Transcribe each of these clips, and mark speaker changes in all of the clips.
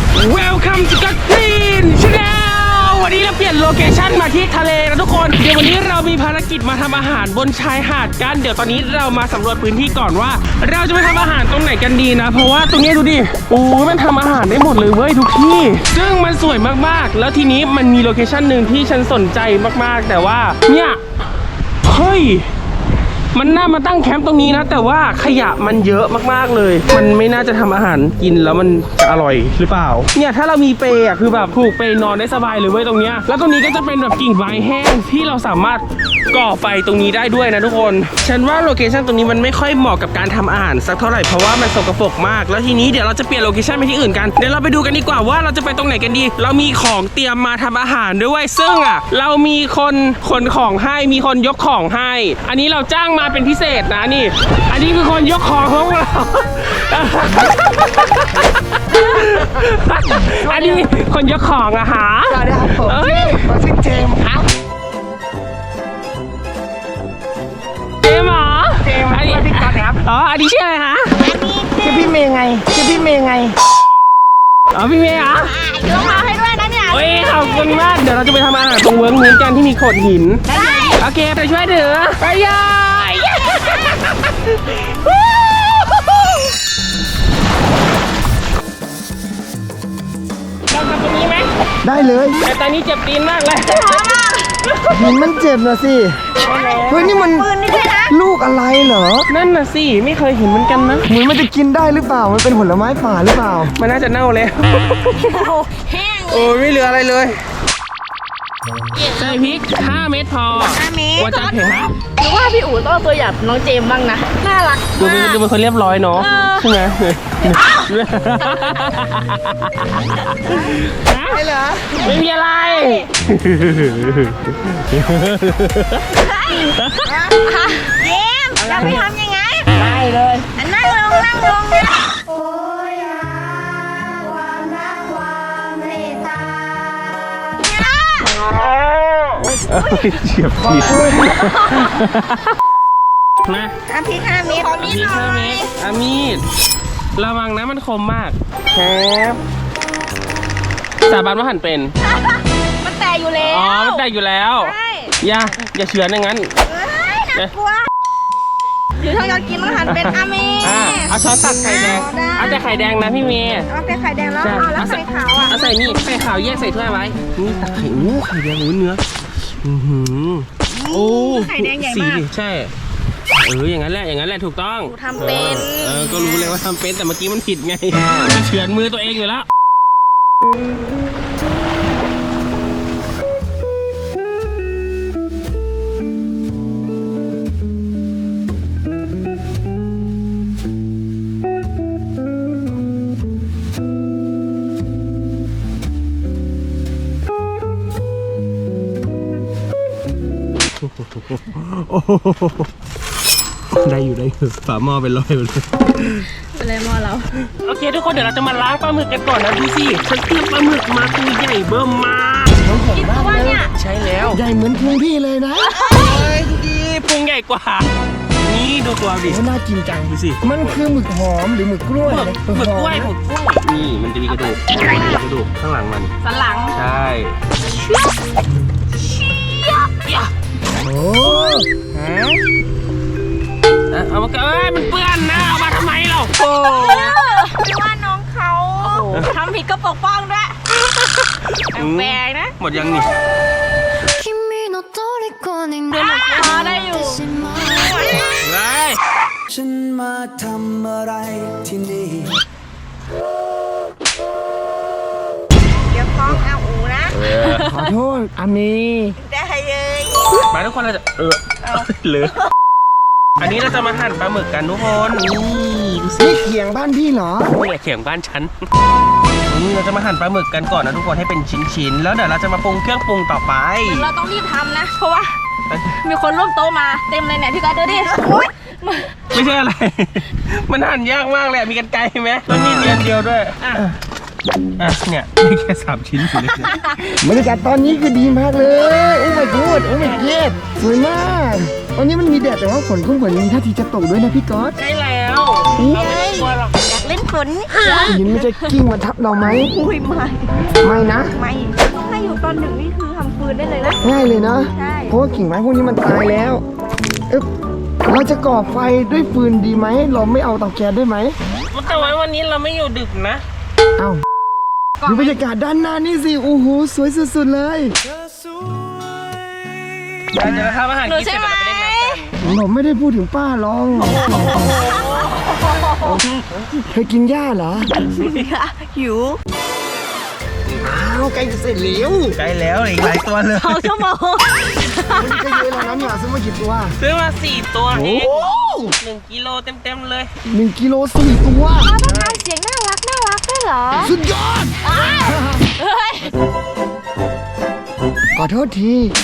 Speaker 1: Welcome to the Green Channel วันนี้เราเปลี่ยนโลเคชั่นมาที่ทะเลนะทุกคนเดี๋ยววันนี้เรามีภารกิจมาทำอาหารบนชายหาดกันเดี๋ยวตอนนี้เรามาสำรวจพื้นที่ก่อนว่าเราจะไปทำอาหารตรงไหนกันดีนะเพราะว่าตรงนี้ดูดิโอ้มันทำอาหารได้หมดเลยเว้ยทุกที่ซึ่งมันสวยมากๆแล้วทีนี้มันมีโลเคชั่นหนึ่งที่ฉันสนใจมากๆแต่ว่าเนี่ยเฮ้ยมันน่ามาตั้งแคมป์ตรงนี้นะแต่ว่าขยะมันเยอะมากๆเลยมันไม่น่าจะทำอาหารกินแล้วมันจะอร่อยหรือเปล่าเนี่ยถ้าเรามีเปย์คือแบบผูกเปย์นอนได้สบายเลยเว้ยตรงเนี้ยแล้วตรงนี้ก็จะเป็นแบบกิ่งไม้แห้งที่เราสามารถก่อไฟตรงนี้ได้ด้วยนะทุกคนฉันว่าโลเคชั่นตรงนี้มันไม่ค่อยเหมาะกับการทำอาหารสักเท่าไหร่เพราะว่ามันสกปรกมากแล้วทีนี้เดี๋ยวเราจะเปลี่ยนโลเคชั่นไปที่อื่นกันเดี๋ยวเราไปดูกันดีกว่าว่าเราจะไปตรงไหนกันดีเรามีของเตรียมมาทำอาหารด้วยซึ่งเรามีคนขนของให้มีคนยกของให้อันนี้เราจ้างมาเป็นพิเศษนะนี่อันนี้คือคนยกของของเราอันนี้คนยกของอะฮะ
Speaker 2: สวัสดีครับผมชื่อเจมส์ครับ
Speaker 1: เจมส์เหรอ
Speaker 2: เจมส์พี่ก๊อตครับ
Speaker 1: อ๋ออันนี้ชื่ออะไรฮะ
Speaker 2: ชื่อพี่เมย์ไงชื่อพี่เมย์ไง
Speaker 1: อ๋อพี่เมย์อ่ะ
Speaker 3: ยกมาให้ด้วยนะเนี่ย
Speaker 1: โอ้ยขอบคุณมากเดี๋ยวเราจะไปทำอาหารตรงเวิร์กนี้กันที่มีโขดหินโอเคไปช่วยเถอะไปย่อยเราทำตรงนี้ไหม
Speaker 2: ได้เลย
Speaker 1: แต่ตอนนี้เจ็บตีนมากเลย
Speaker 2: หินมันเจ็บนะสิเฮ้ยนี่มันลูกอะไรเหรอ
Speaker 1: นั่นน่ะสิไม่เคยเห็นเหมือนกันนะ
Speaker 2: เหมือนมันจะกินได้หรือเปล่ามันเป็นผลไม้ป่าหรือเปล่า
Speaker 1: มันน่าจะเน่าแล้ว
Speaker 3: แห้ง
Speaker 1: โอ้ไม่เหลืออะไรเลยใส่พริก5 เม็ดพอ
Speaker 3: 5 เม็ด
Speaker 1: ว่าจะเผ็ดฮะ
Speaker 3: หรือว่าพี่อู๋ต้องตัวอย่างน้องเจมบ้างนะน่ารัก
Speaker 1: ดูเป็นคนเรียบร้อยเนาะใช่ไหม
Speaker 2: ไม่เหรอ
Speaker 1: ไม่มีอะไร
Speaker 3: เจมจะไปทำยังไง
Speaker 2: ได้เลย
Speaker 3: นั่งลงนะโอ้ย
Speaker 1: ความรักความเมตตาเฉียบผิดมา
Speaker 3: พริก5 เม็ด
Speaker 1: พริก5 เม็ดมีดระวังนะมันคมมากครับสาบานว่าหั่นเป็น
Speaker 3: มันแตกอยู่แล้ว
Speaker 1: อ๋อมันแตกอยู่แล้วอย่าเฉือนอย่างนั้น
Speaker 3: น่ากลัวหรือถ้าอยากกินต้องหั่นเป็นเมย์
Speaker 1: เอาช้อนตักไข่แดงเอาแต่ไข่แดงนะพี่เมย์
Speaker 3: เอาแต่ไข่แดงแล้วแล้วไข่ขาว
Speaker 1: เอาใส่นี่ไข่ขาวแยกใส่ถ้วยไว้นี่ตักไข่ไข่แดงเนื้อโอ้
Speaker 3: ไข่แดงใหญ่มาก
Speaker 1: ใช่อย่างนั้นแหละถูกต้อง
Speaker 3: ทำเป็น
Speaker 1: ก็รู้เลยว่าทำเป็นแต่เมื่อกี้มันผิดไงเฉือนมือตัวเองอยู่แล้วได้อยู่ฝาหม้อเป็นรอยหมดเลย
Speaker 3: เป็นไรหม้อเรา
Speaker 1: โอเคทุกคนเดี๋ยวเราจะมาล้างปลาหมึกกันก่อนนะดูสิฉันเตรียมปลาหมึกมาตัวใหญ่เบิ่มมาก
Speaker 3: กินตัวเนี่ย
Speaker 1: ใช่แล้ว
Speaker 2: ใหญ่เหมือนพุงพี่เลยนะ
Speaker 1: ดูดิพุงใหญ่กว่านี่ดูตัวดิ
Speaker 2: น่ากินจัง
Speaker 1: ดูสิ
Speaker 2: มันคือหมึกหอมหรือหมึกกล้วย
Speaker 1: หมึกกล้วยนี่มันจะมีกระดูกข้างหลังมัน
Speaker 3: สันหลัง
Speaker 1: ใช่
Speaker 2: โอ้
Speaker 1: เอามามันเปื้อนนะเอามาทำไมเรา
Speaker 3: โอ้ไม่ว่าน้องเขาทำผิดก็ปกป้องด้วยแปลกนะ
Speaker 1: หมดยังนี่
Speaker 3: ได้อยู่
Speaker 2: ฉันมาทำอะไรที่นี่
Speaker 3: เดี๋ยวฟ้องเอาอูนะ
Speaker 2: ขอโทษอามี
Speaker 3: ได้เลย
Speaker 1: มาทุกคนเราจะเหลืออันนี้เราจะมาหั่นปลาหมึกกันทุกคนนี่ดูสิ
Speaker 2: เขียงบ้านพี่เหรอ
Speaker 1: นี่เขียงบ้านฉันนี่เราจะมาหั่นปลาหมึกกันก่อนนะทุกคนให้เป็นชิ้นๆแล้วเดี๋ยวเราจะมาปรุงเครื่องปรุงต่อไป
Speaker 3: เราต้องรีบทำนะเพราะว่ามีคนร่วมโต๊ะมาเต็มเลยเนี่ยพี่ก๊อตดูดิ
Speaker 1: ไม่ใช่อะไรมันหั่นยากมากเลยมีกรรไกรไหมแล้วมีดเดียวด้วยเนี่ยมีแค่3 ชิ้นอยู่เลย
Speaker 2: บรรยากาศตอนนี้คือดีมากเลยโอ้ my god โอ้ my god สวยมากตอนนี้มันมีแดดแต่ว่าฝนก็เหมือนมีท่าทีจะตกด้วยนะพี่ก๊อต
Speaker 1: ใช่แล้วเราไม่กลัวหรอก
Speaker 3: เล่นฝน
Speaker 2: หินมันจะกิ้งมาทับเราไหม
Speaker 3: อุ้ยไม่
Speaker 2: ไม่นะ
Speaker 3: ไม่ถ้าอยู่ตอนหนึ่งนี่คือทำฟืนได้เลยนะ
Speaker 2: ง่ายเลยนะ
Speaker 3: ใช่
Speaker 2: เพราะว่ากิ่งไม้พวกนี้มันตายแล้วเอ๊ะเราจะก่อไฟด้วยฟืนดีไหม เราไม่เอาเตาแก๊สด้วยไหม
Speaker 1: แต่ว่าวันนี้เราไม่อยู่ดึกนะ
Speaker 2: เอ้าดูบรรยากาศด้านหน้านี่สิ โอ้โห สวยสุดๆเลย
Speaker 1: เดี๋ยวเราทำอาหารกินเสร็จเราไปเล่นน้ำกัน
Speaker 2: ผมไม่ได้พูดถึงป้าหรอกเคยกินหญ้าเหรอ
Speaker 3: หิว
Speaker 2: อ้าวใกล้จะเสร็จแล้ว
Speaker 1: ใกล้แล้วอีกหลายตัวเลย
Speaker 3: 2 ชั่วโมง
Speaker 2: มันก็เยอะแล้วนะเนี่ยซื้อมากี่ตัว
Speaker 1: ซื้อมา4 ตัวเอ
Speaker 2: โอ้
Speaker 1: ง1 กิโลเต็มๆเลย
Speaker 2: 1 กิโล 4 ตัว
Speaker 3: ต้องทำเสียงน่ารักด้วยเหรอ
Speaker 2: สุดยอด
Speaker 3: เฮ้ย
Speaker 2: ขอโทษที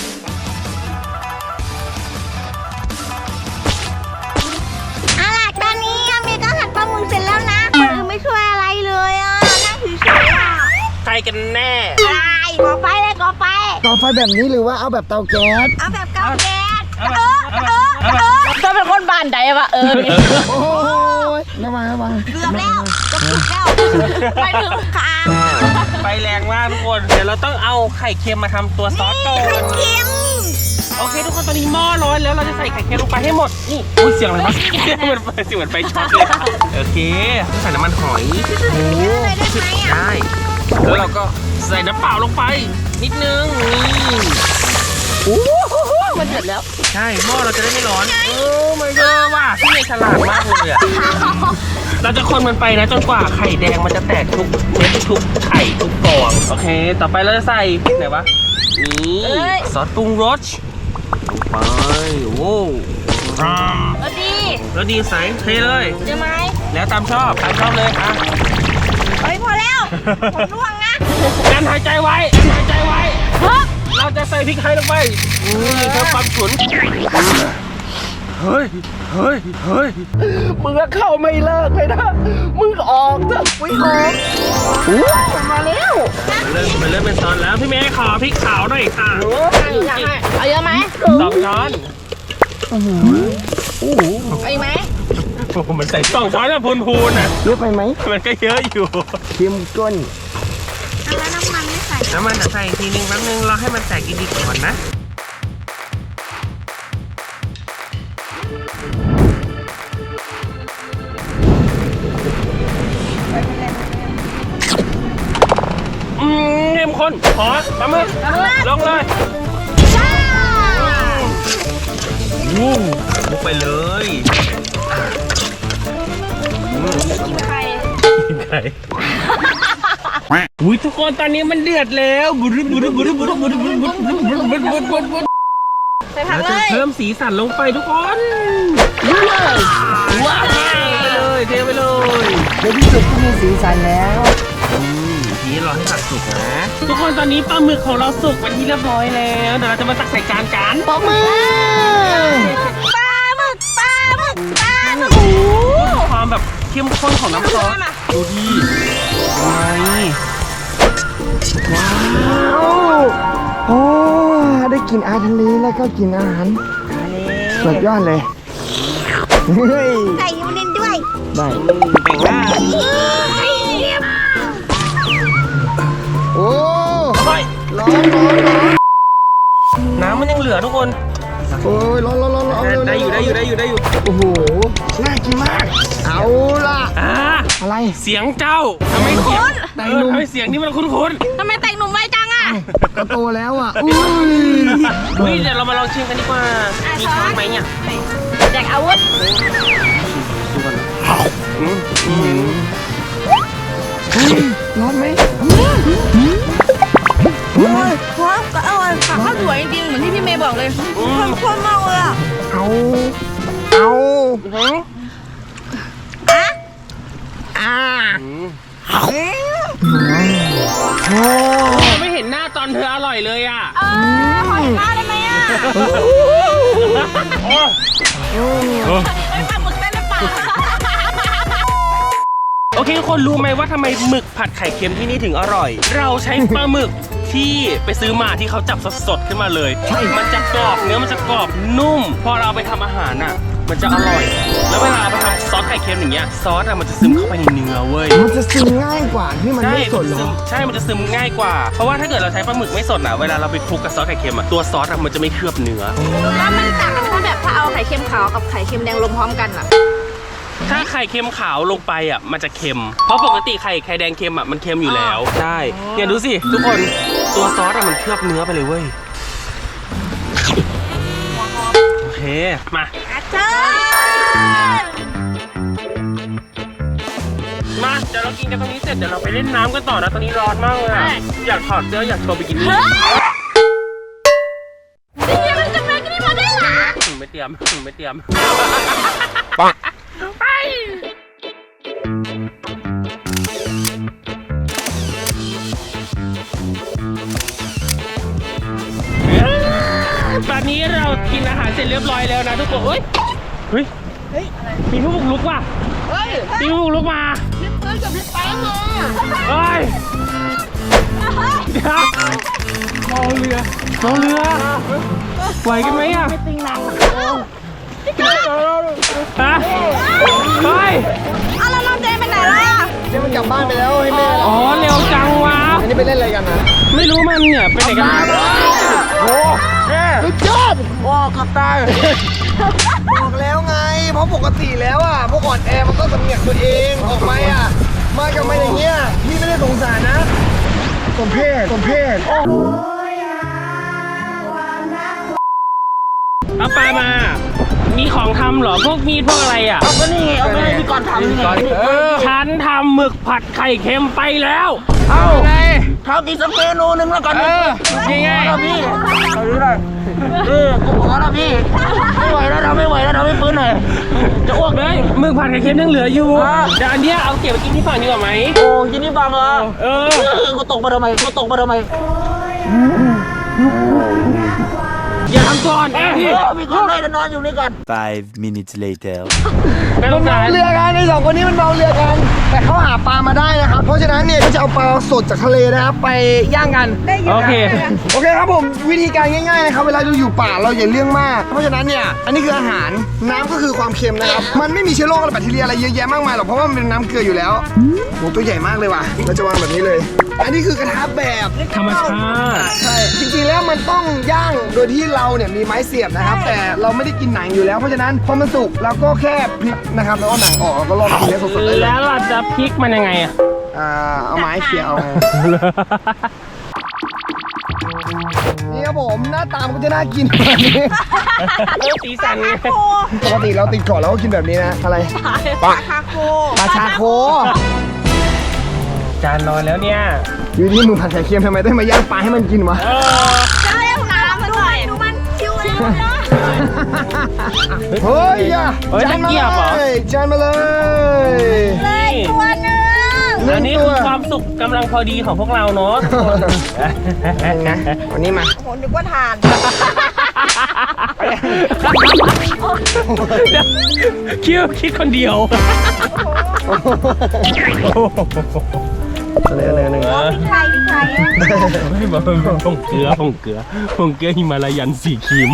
Speaker 3: เอาล่ะตอนนี้อามีก็หั่นปลาหมึกเสร็จแล้วนะคนอื่นไม่ช่วยอะไรเลยอ่ะนั่งเฉยๆอ่ะ
Speaker 1: ใครกันแน่
Speaker 3: อะไรก่อไฟเลยก่อไฟ
Speaker 2: ต่อไฟแบบนี้หรือว่าเอาแบบเตาแก๊ส
Speaker 3: เอาแบบเกาแก๊สจะเป็นคนบ้านใดวะนี่
Speaker 2: โอ้ยระวังระวัง
Speaker 3: เกือบแล้วจะสุดแล้วไปถึงค่ะ
Speaker 1: ไฟแรงมากทุกคน เดี๋ยวเราต้องเอาไข่เค็มมาทำตัวซอสก่อน
Speaker 3: เค็ม
Speaker 1: โอเคทุกคนตอนนี้หม้อร้อนแล้วเราจะใส่ไข่เค็มลงไปให้หมด นี่อุ้ยเสียงอะไรวะมันเสียงเหมือนไฟช็อตเลยค่ะโอเคใส่น้ำมันหอย
Speaker 3: เยอะเลยได้ไหมอ่ะ
Speaker 1: ได้แล้วเราก็ใส่น้ำเปล่าลงไป นิดนึงนี่
Speaker 3: มันเดือดแล้ว
Speaker 1: ใช่หม้อเราจะได้ไม่ร้อนโอ้ my god ว่ะพี่เมย์ฉลาดมากเลยอ่ะเราจะคนมันไปนะจนกว่าไข่แดงมันจะแตกทุกเม็ดทุกไข่ทุกฟองโอเค ต่อไปเราจะใส่ไหนวะนี่ซอสปรุงรสลงไปโว้ว
Speaker 3: เอาดี
Speaker 1: แล้วดีใส่เทเลย
Speaker 3: เดี๋ยวไหม
Speaker 1: แล้วตามชอบเลยอ่ะ
Speaker 3: เฮ้ยพอแล้วผมร่วงนะ
Speaker 1: การหายใจไว้การหายใจไว้ เราจะใส่พริกไทยลงไปนี่เพื่อความฉุนเฮ้ยมึงก็เข้าไม่เลิกเลยนะมึงออกเถอะมึงออกมาแล้วมันเริ่มเป็นซอสแล้วพี่เมย์ขอพริกขาวหน่อยค่ะ
Speaker 3: อยากให้เอาเยอะไหม
Speaker 1: 2 ช้อน
Speaker 3: เอาอีกไหม
Speaker 1: โอ้โหมันใส่2 ช้อนแล้วพูนๆน่ะ
Speaker 2: เยอะไปไหม
Speaker 1: มันก็เยอะอยู่
Speaker 2: เค็มก้น
Speaker 3: แล้วน้ำมันไม่ใส่
Speaker 1: น้ำมันใส่อีกทีนึงแป๊บนึงรอให้มันแตกดีๆก่อนนะเข้มข้นขอปลาหมึกลงเลยวุ้งลุกไปเลย
Speaker 3: กินไข่
Speaker 1: ไข่อุ้ยทุกคนตอนนี้มันเดือดแล้วบุรุษ
Speaker 3: ใส่ผัก
Speaker 1: เรา
Speaker 3: เล
Speaker 1: จะ
Speaker 3: ย
Speaker 1: เพิ่มสีสันลงไปทุกคนว้าวเทไปเลย
Speaker 2: ในที่สุดก็มีสีสันแล้ว
Speaker 1: ทีนี้รอให้ผักสุกนะทุกคนตอนนี้ปลาหมึกของเราสุกเป็นที่เรียบร้อยแล้วเดี๋ยวเราจะมาตักใส่จานกัน
Speaker 2: ปอกมือ
Speaker 3: ปลาหมึก
Speaker 1: ความแบบเข้มข้นของน้ำซอสดูดิไง
Speaker 2: ว้าวโอ้ได้กินอาหารทะเลแล้วก็กินอาหารสุดยอดเลยเฮ้ย
Speaker 3: ใส่ยูนินด้วย
Speaker 2: ได้
Speaker 1: แบ่งหน้า
Speaker 2: โอ้
Speaker 1: เฮ้ย
Speaker 2: ร้อน
Speaker 1: น้ำมันยังเหลือทุกคน
Speaker 2: โอ้ยร้อนเอาเร็ว
Speaker 1: ได้อยู่
Speaker 2: โอ้โหน่ากินมากเอาล่ะ อะไร
Speaker 1: เสียงเจ้าทำไมเสียงทำไมเสียงนี่มันคุ้น
Speaker 3: ทำไมแต่งหนุ่มไวจังอ่ะ
Speaker 2: ก็โตแล้วอ่ะอุ้ย
Speaker 1: ๆเฮ้ยเดี๋ยวเรามาลองชิมกันดีกว่ามีช้อนไหมเนี่ย
Speaker 3: แจกอาวุธ
Speaker 2: ร้อนไหม
Speaker 3: พร้อมก็อร่อยค่ะข้าวสวยจริงๆเหมือนที่พี่เมย์บอกเลยข้นมากเลยอ่ะ
Speaker 2: เอา
Speaker 1: ไม่เห็นหน้าตอนเธออร่อยเลยอ่ะ
Speaker 3: ขอหน้าได้ไหมอ่ะไอ้ปลาหมึกได้หรือเปล่า
Speaker 1: โอเคทุกคนรู้ไหมว่าทำไมหมึกผัดไข่เค็มที่นี่ถึงอร่อย เราใช้ปลาหมึกที่ไปซื้อมาที่เขาจับสดๆขึ้นมาเลย มันจะกรอบเนื้อมันจะกรอบนุ่ม พอเราเอาไปทำอาหารอ่ะมันจะอร่อย แล้วเวลาเอาไปทำซอสไข่เค็มอย่างเงี้ยซอสอะมันจะซึมเข้าไปในเนื้อเว้ย
Speaker 2: มันจะซึมง่ายกว่าที่มันไม่สดเหรอ
Speaker 1: ใช่ มันจะซึมง่ายกว่า เพราะว่าถ้าเกิดเราใช้ปลาหมึกไม่สดอะเวลาเราไปคลุกกับซอสไข่เค็มอะตัวซอสอะมันจะไม่เคลือบเนื้อ
Speaker 3: แล้วมันต่างกันถ้าแบบถ้าเอาไข่เค็มขาวกับไข่เค็มแดงลงพร้อมกันอ่ะ
Speaker 1: ถ้าไข่เค็มขาวลงไปอะมันจะเค็ม เพราะปกติไข่แดงเค็มอะมันเค็มอยู่แล้ว ใช่ เนี่ยดูสิทุกคนตัวซอสอะมันเคลือบเนื้อไปเลยเว้ย โอเค มา
Speaker 3: เชิญ
Speaker 1: มาเดี๋ยวเรากินกันตรงนี้เสร็จเดี๋ยวเราไปเล่นน้ำกันต่อนะตอนนี้ร้อนมากเลยอะอยากถอดเสื้ออยากโชว์บิกินี่
Speaker 3: นี่มันจะมากินนี่มาได้หรอ
Speaker 1: ไม่เตรียมไม่เตรียมไปตอนนี้เรากินอาหารเสร็จเรียบร้อยแล้วนะทุกคนเฮ้ยมีผู้บุกรุกว่ะมีผู้บุกรุกมาพี่ปืนกับพี่แป๊งมาเฮ้ยเดี๋ยวเมาเรือไหวกันไหมอ่ะไม่ติงหนังฮะเฮ้ย
Speaker 3: เอาแล้วน้องเจมไปไหนล่ะ
Speaker 2: เดี๋ยวมันกลับบ้านไปแล้วให้แม่
Speaker 1: อ๋อเร็วจังวะ
Speaker 2: อันนี้ไปเล่นอะไรกันนะ
Speaker 1: ไม่รู้มันเนี่ยไปไหนกันมา
Speaker 2: โอ้สุดยอดว้าวขับได้บอกแล้วไง เพราะปกติแล้วอ่ะพวกอ่อนแอมันก็สำเนียกตัวเองออกไปอ่ะมากับมาอย่างเงี้ยพี่ไม่ได้สงสารนะสมเพศ
Speaker 1: เอาปลามา มีของทำเหรอพวกมีดพวกอะไรอ่ะ
Speaker 2: ก็นี่ไงเอาไปให้พี่ก่อนทำนี่ไง
Speaker 1: ฉันทำหมึกผัดไข่เค็มไปแล้ว
Speaker 2: เอาไงทำอีกสักเมนูนึงแล้วกัน
Speaker 1: ยังไง
Speaker 2: พี่เอาดูหน่อยกูขอแล้วพี่ไม่ไหวแล้วทำไม่ไหวแล้วทำให้ปืนหน่อยจะอ้วก
Speaker 1: เฮ้ยหมึกผัดไข่เค็มยังเหลืออยู่เดี๋ยวอันเนี้ยเอาเก็บไปกินที่ฝั่งดีกว่าไหม
Speaker 2: โอ้ยินดีบังเหรอกูตกมาทำไม
Speaker 1: อย่าทำก่อนพี่
Speaker 2: มีคนได้นอนอยู่นี่ก่อน
Speaker 4: 5 minutes later
Speaker 1: ไม่ต้องการ
Speaker 2: เรือกันใน2คนนี้มันเมาเรือกันแต่เขาหาปลามาได้นะครับเพราะฉะนั้นเนี่ยก็จะเอาปลาสดจากทะเลนะครับไปย่างกัน
Speaker 1: โอเค
Speaker 2: โอเคครับผมวิธีการง่ายๆนะครับเวลาเราอยู่ป่าเราอย่าเรื่องมากเพราะฉะนั้นเนี่ยอันนี้คืออาหารน้ำก็คือความเค็มนะครับมันไม่มีเชื้อโรคอะไรแบคทีเรียอะไรเยอะแยะมากมายหรอกเพราะว่ามันเป็นน้ำเกลืออยู่แล้วโหตัวใหญ่มากเลยว่ะเราจะวางแบบนี้เลย อันนี้คือกระทะแบบ
Speaker 1: ธรรมชาติ
Speaker 2: ใช่จริงๆแล้วมันต้องย่างโดยที่เราเนี่ยมีไม้เสียบนะครับแต่เราไม่ได้กินหนังอยู่แล้วเพราะฉะนั้นพอมันสุกเราก็แค่พลิกนะครับแล้วก็หนังออกแล้วก็ลองกินได้สดๆเลย
Speaker 1: แล้วเราจะพลิกมันยังไงอ่ะ
Speaker 2: เอาไม้เขี่ยเอานี่ครับผมหน้าตามันก็จะน่ากินแบบนี้
Speaker 1: สีสันไง
Speaker 2: ปกติเราติดเกาะเราก็กินแบบนี้นะอะไร
Speaker 3: ปลาคาโค
Speaker 2: ปลาชาโค
Speaker 1: จานนอนแล้วเนี่ย
Speaker 2: อยู่ที่มึงผัดไข่เค็มทำไมได้มาย่างปลาให้มันกินวะ
Speaker 3: เจ้ายังน้ำด้วยดูมันคิวเลยนะ
Speaker 2: เฮ้ยอย่า
Speaker 1: เฮ้ย
Speaker 2: จานมา
Speaker 1: ตะเกียบเหรอ
Speaker 2: เลยจานมาเลย
Speaker 3: เลยตัวหนึ่ง
Speaker 1: อันนี้คือความสุขกำลังพอดีของพวกเราเนาะ
Speaker 2: นะวันนี้มา
Speaker 3: โหนึกว่าทาน
Speaker 1: คิดคนเดียว
Speaker 2: เลย
Speaker 3: ใครใคร
Speaker 1: ไม่บอกผงเกลือหิมาลายันสีครีม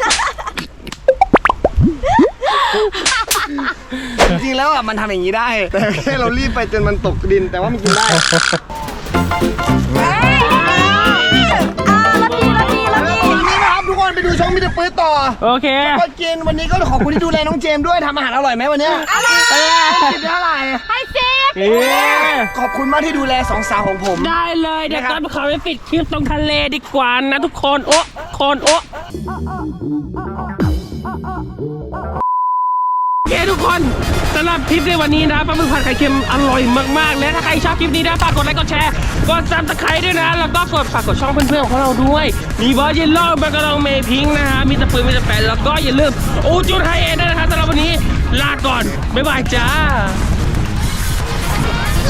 Speaker 2: จริงๆแล้วอ่ะมันทำอย่างนี้ได้ แต่แค่เรารีบไปจนมันตกดินแต่ว่ามันกินได้ วันนี้นะครับทุกคนไปดูช่องมิสเตอร์ปื๊ดต่อ
Speaker 1: โอเค
Speaker 2: ก็กินวันนี้ก็ขอบคุณที่ดูแลน้องเจมส์ด้วยทำอาหารอร่อยไหมวันเนี้ยกินเท่าไหร่
Speaker 3: ให้ซิป
Speaker 2: ขอบคุณมากที่ดูแลสองสาวของผม
Speaker 1: ได้เลยเดี๋ยวตอนเขาไปปิดคลิปตรงทะเลดีกว่านะทุกคนโอ้โอเคทุกคนสำหรับคลิปในวันนี้นะปลาหมึกผัดไข่เค็มอร่อยมากๆและถ้าใครชอบคลิปนี้นะฝากกดไลค์กดแชร์กดซับสไครต์ด้วยนะแล้วก็ฝากกดช่องเพื่อนๆของเราด้วยมีบอสเยลโล่แบงกะลองเมย์พิงค์นะฮะมีตะปืนมีตะแปนแล้วก็อย่าลืมอูจุดไฮเอ็นด้วยนะครับสำหรับวันนี้ลาก่อนบ๊ายบายจ้า